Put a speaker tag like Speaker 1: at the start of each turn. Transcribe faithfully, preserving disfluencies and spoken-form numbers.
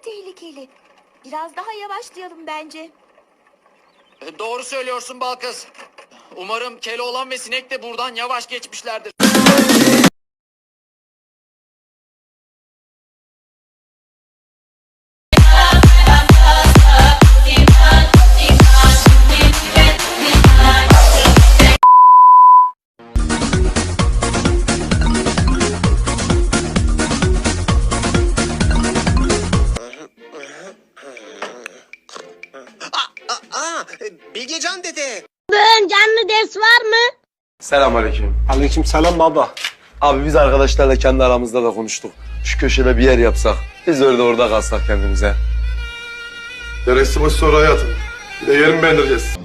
Speaker 1: tehlikeli. Biraz daha yavaşlayalım bence.
Speaker 2: E, doğru söylüyorsun Balkız. Umarım Keloğlan ve Sinek de buradan yavaş geçmişlerdir.
Speaker 3: Aa, Bilgecan dede.
Speaker 4: Bugün canlı ders var mı?
Speaker 5: Selamünaleyküm.
Speaker 6: Aleykümselam baba.
Speaker 5: Abi biz arkadaşlarla kendi aramızda da konuştuk. Şu köşede bir yer yapsak. Biz öyle orada kalsak kendimize.
Speaker 6: Deresi boş soru hayatım. Bir de yerimi beğendireceğiz.